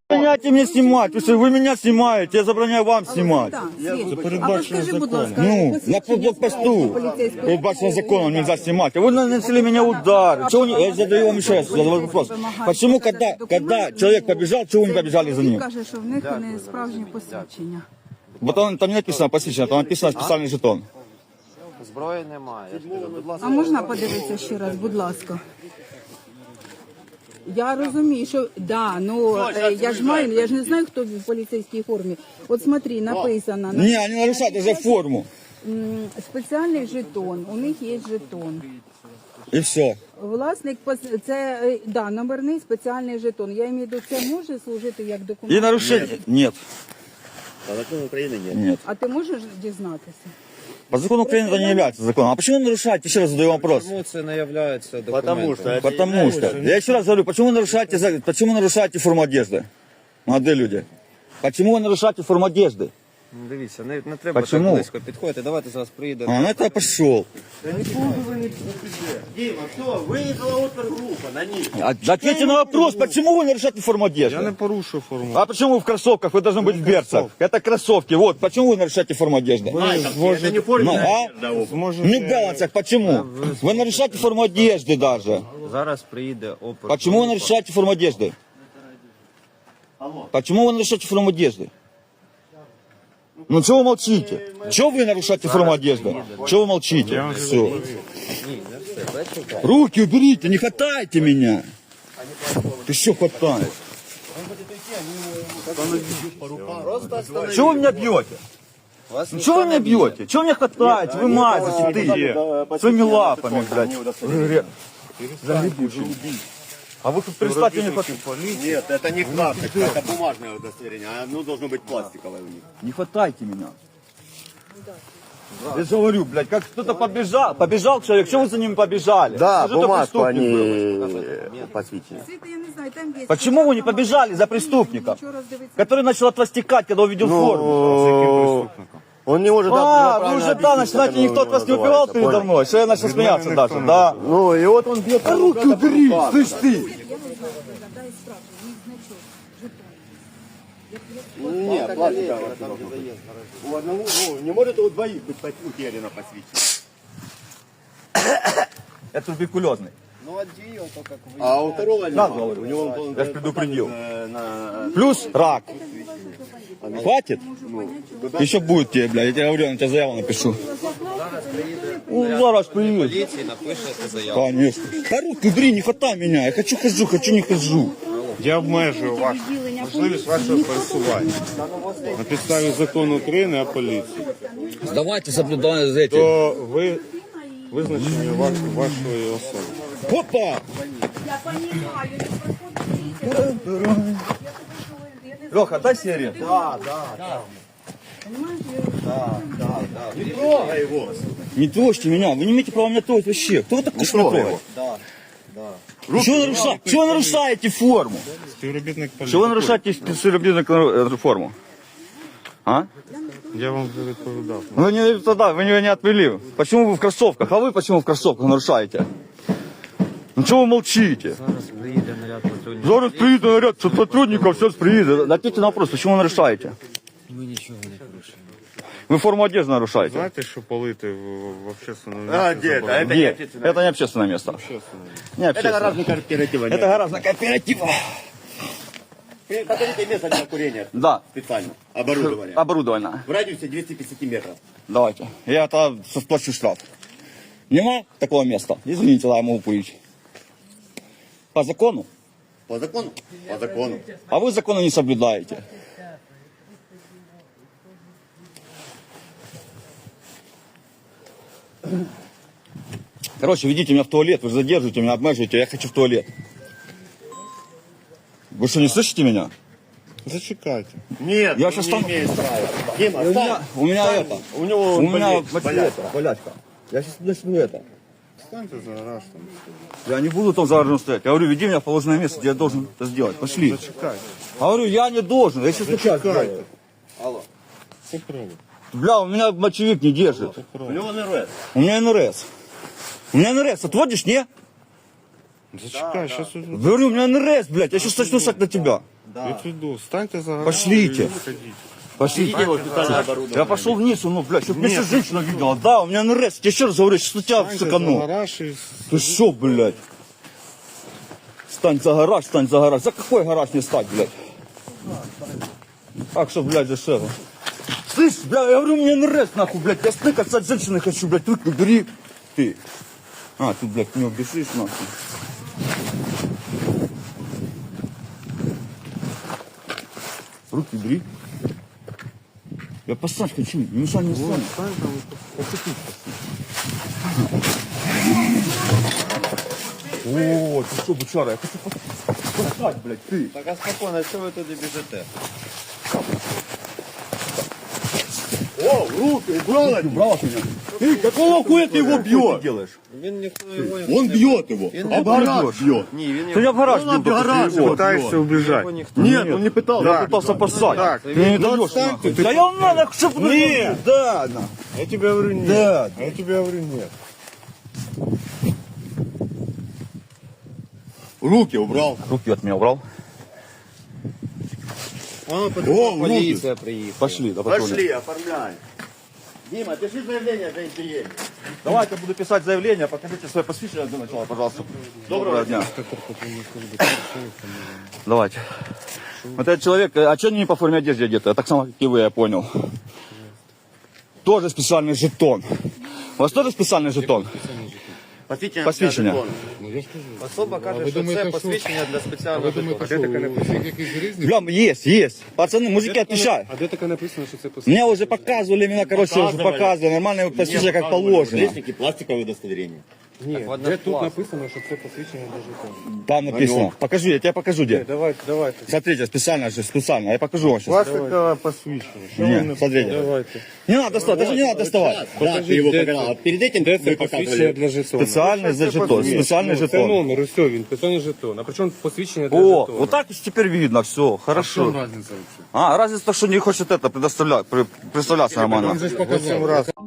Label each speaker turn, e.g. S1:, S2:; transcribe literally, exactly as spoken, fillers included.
S1: Забороняйте мне снимать, потому что вы меня снимаете, я забороняю вам снимать.
S2: Це передбачено законом.
S1: Ну, на блокпосту передбачено законом нельзя снимать. А вы нанесли меня удар. Чего не... Я задаю вам еще раз задаю вопрос. Почему, когда, когда человек побежал, чего вы не побежали за ним?
S3: Каже, що в них не справжнє посвідчення.
S1: Вот там не написано посвящение, там написано специальный жетон.
S4: Зброї немає. Я ж кажу, будь ласка.
S3: А можна подивитися ще раз, будь ласка? Я розумію, що да, ну е, я ж маю, я ж не знаю, хто в поліцейській формі. От смотри, написано на
S1: Не, они нарушают уже форму.
S3: м, спеціальний жетон. У них є жетон.
S1: И все.
S3: Власник пос- це е, да, номерний спеціальний жетон. Я маю в виду, це може служити як документ.
S1: И нарушение? Нет.
S5: По закону Украины нет.
S1: Нет.
S3: А ти можеш дізнатися?
S1: По закону Украины это не является законом. А почему вы нарушаете? Еще раз задаю вопрос.
S4: Чому це не є документом?
S5: Потому что это
S1: Потому что, я еще раз говорю, почему вы нарушаете, за- почему нарушаете форму одежды? Молодые люди. Почему вы нарушаете форму одежды?
S4: Ну, дивіться, не, не треба
S1: Почему?
S4: так близько підходити. Давайте зараз приїдемо.
S1: А, ну это я пошел.
S5: Дима, все, выехала опергруппа на них.
S1: А, ответьте на вопрос, почему вы нарушаете форму одежды?
S2: Я не порушив форму.
S1: А почему вы в кроссовках? Вы должны быть в берцах. Это кроссовки. Вот, почему вы нарушаете форму одежды?
S5: Это не форма.
S1: Ну, а?
S2: Зможете...
S1: Не в балансах, почему? Вы нарушаете форму одежды даже.
S4: Зараз приїде опер.
S1: Почему вы нарушаете форму одежды? Почему вы нарушаете форму одежды? Ну чего вы молчите? Чего вы нарушаете форму одежды? Чего вы молчите? Все. Руки уберите, не хватайте меня. Ты что хватаешь? Чего вы меня бьете?
S4: Вас
S1: Ну чего вы меня бьете? Чего вы меня хватаете? Вы мазите, ты. Своими лапами, блядь. Загребущими. А вы перестаньте мне хватать.
S5: Нет, это не классик, это бумажное удостоверение. Оно должно быть пластиковое у них.
S1: Не хватайте меня. Я же говорю, блядь, как кто-то побежал, побежал человек, чего вы за ним побежали?
S5: Да,
S1: Что же это
S5: бумажку
S1: преступник был?
S5: они посвятили.
S3: Світа, я не знаю, там є.
S1: Почему вы не побежали за преступником,
S3: Нічого роздивитися.
S1: который начал от вас текать, когда увидел форму?
S5: Он не может...
S1: А,
S5: правильно
S1: вы уже, да,
S5: объяснить,
S1: начинаете,
S5: как
S1: никто
S5: оно
S1: от вас не убивал
S5: называется,
S1: передо
S5: понял?
S1: мной, что я начал смеяться даже, да.
S5: Ну, и вот он бьет...
S1: А руки убери, слышь ты!
S5: Нет, пластиковое. У одного, ну, не может у двоих быть утеряно посвящение.
S1: Это туберкулезный.
S4: Ну, а дію, то як ви.
S5: А у второго
S1: Да,
S5: нет.
S1: говорю.
S5: У него он,
S1: Я ж предупредил.
S5: э, на...
S1: Плюс рак. Хватит? Еще будет тебе, блядь, я тебе говорю, я на тебя заяву напишу. Ну, зараз приедет.
S4: Поліції напишете заяву.
S1: Конечно. Да руки убери, не хватай меня. Я хочу хожу, хочу не хожу.
S2: Я обмежую вашу можливість вашого пересування. На підставі закону України о поліції.
S1: Давайте соблюдайте за этим.
S2: То ви визначення ваш, вашої особи.
S1: Опа!
S3: Я понимаю, не проходить.
S1: Леха, дай сигарету.
S5: Не трогай его.
S1: Не трожьте меня, вы не имеете права меня трогать вообще. Кто вы такой, что меня трогать? Чего вы нарушаете? Чего вы нарушаете форму?
S2: Співробітник поліції.
S1: Чего вы нарушаете специализированную форму? А?
S2: Я вам вже відповідав.
S1: Вы не тогда, вы меня не отвели. Почему вы в кроссовках? А вы почему в кроссовках нарушаете? Ну чего вы молчите?
S4: Зараз приїде наряд патрульних.
S1: Зараз приедет наряд сотрудников, все приедет. Ответьте на вопрос, почему вы нарушаете?
S4: Ми нічого не порушуємо.
S1: Вы форму одежды нарушаете.
S2: Знаєте, що палити в, в общественному
S5: А,
S2: місці
S5: где это?
S2: заборонено?
S5: Это не
S1: Где?
S5: общественное.
S1: Это не общественное место. Не
S5: Это
S1: общественное.
S5: гаражный кооператив.
S1: Это гаражная кооператива.
S5: Хотите место для курения?
S1: Да.
S5: Специально. Оборудование.
S1: Оборудовано.
S5: В радиусе двухсот пятидесяти метров.
S1: Давайте. Я это сплачу штраф. Нема такого места? Извините, да, я могу курить. По закону?
S5: По закону? По закону.
S1: А вы законы не соблюдаете. Короче, ведите меня в туалет, вы задерживаете меня, обмеживаете, я хочу в туалет. Вы что, не слышите меня?
S2: Зачекайте.
S5: Нет,
S1: Я
S5: он
S1: сейчас
S5: не
S1: стану-
S5: имеет права. Дима,
S1: У меня,
S5: встань.
S1: у меня это.
S5: У него
S1: У меня
S5: болезнь,
S1: вот
S5: болячка.
S1: это, болячка. Я сейчас начну это.
S2: Станьте за гараж там.
S1: Я не буду там за стоять. Я говорю, веди меня в положенное место, где я должен это сделать. Пошли.
S2: Зачекайте.
S1: Говорю, я не должен. Я сейчас сейчас
S2: Зачекайте. Попробуй.
S1: Бля, у меня мочевик не держит.
S5: У него НРС.
S1: У меня эн эр эс. У меня эн эр эс. Отводишь, не?
S2: Зачекай, сейчас уже.
S1: Говорю, у меня эн эр эс, блядь. Я сейчас начну сать на тебя.
S2: Я иду. Станьте за гараж.
S1: Пошлите.
S2: и выходите.
S1: Пошлите.
S5: вот специальное оборудование.
S1: Я пошел вниз, ну, блядь, чтобы меня сейчас женщина видела. Да, у меня эн эр эс. Я еще раз говорю, что тебя
S2: Станьте за
S1: сыкану.
S2: гараж и...
S1: Ты шо, блядь? Стань за гараж, стань за гараж. За какой гараж не стать, блядь? Так что, блядь, дешево. Слышь, бля, я говорю, у меня эн эр эс, нахуй, блядь. Я стыкаться от женщины хочу, блядь. Руки бери. Ты. А, ты, блядь, не убежишь, нахуй. Руки бери. Я поссать хочу, не мешай мне стану. О, ты что, бычара, я хочу поссать, блядь, ты.
S4: Так, а спокійно, що ви туди біжите?
S5: О, руки, убрал от
S1: Убрал от меня?
S5: Ты, какого хуя ты его
S1: Ты
S5: бьешь?
S1: делаешь?
S4: Він ніхто його не
S5: Он бьет его.
S4: Он
S5: Об гараж
S1: бьет.
S5: бьет.
S4: Ні, він
S1: Ты
S4: його
S1: меня в гараж
S5: Он
S1: бил,
S5: об
S1: только
S5: гараж
S1: ты его.
S2: Пытаешься убежать.
S4: його ніхто.
S5: Нет, он не пытался.
S1: Я пытался поссать.
S2: Так,
S1: Ты не даешь,
S2: отстань
S1: нахуй.
S2: ты.
S1: Да я надо, чтобы...
S5: Нет.
S1: Да, на.
S2: Я тебе говорю нет.
S1: Да.
S2: А я тебе говорю нет.
S5: Руки убрал.
S1: Руки от меня убрал.
S4: Воно
S5: О,
S4: потім поліція приїхала.
S1: Пошли, да пошли.
S5: Пошли, оформляй. Дима, пиши заявление за интерьер.
S1: Давайте буду писать заявление, покажите свое посвящение для начала, пожалуйста. Доброго дня. Давайте. Вот этот человек, а что они не по форме одежды одеты? Так само, как и вы, я понял. Тоже специальный жетон. У вас тоже специальный жетон?
S5: Посвящение.
S1: Посвящение.
S4: Особа каже, що це посвідчення для спеціального жетону.
S2: Де таке написано? Якийсь різний?
S1: Бля, есть, есть. Пацаны, мужики, отвечают.
S2: А де таке написано, що це посвідчення?
S1: Мне уже показывали, меня, короче, уже
S5: Показывали.
S1: показывали. Нормальное посвящение, как положено.
S5: Пластики, пластиковое удостоверение.
S2: Ні,
S4: Так,
S2: де тут
S4: клас.
S2: написано, що це посвідчення для жетону?
S1: Там написано. Покажу, я тебе покажу, где.
S2: Давайте, давайте.
S1: Смотрите, специально же, специально. Я покажу вам сейчас.
S2: Пластикове посвідчення. Що ви
S1: Нет,
S2: не-
S1: смотрите.
S2: Давайте.
S1: Не надо доставать, даже не надо доставать.
S5: Да, ты его
S2: де
S5: показал.
S2: це?
S5: А перед этим
S2: Де
S5: вы
S2: це посвідчення
S5: показывали.
S2: для жетону?
S1: Специальный за жетон, специальный
S2: Ну, Це
S1: жетон.
S2: номер, усе, він, спеціальний жетон. А при чому посвідчення для
S1: О,
S2: жетону?
S1: вот так теперь видно, все,
S2: В чому
S1: хорошо.
S2: разниця взагалі?
S1: А, разница, что не хочет это предоставлять, при- представляться нормально.
S2: Восемь раз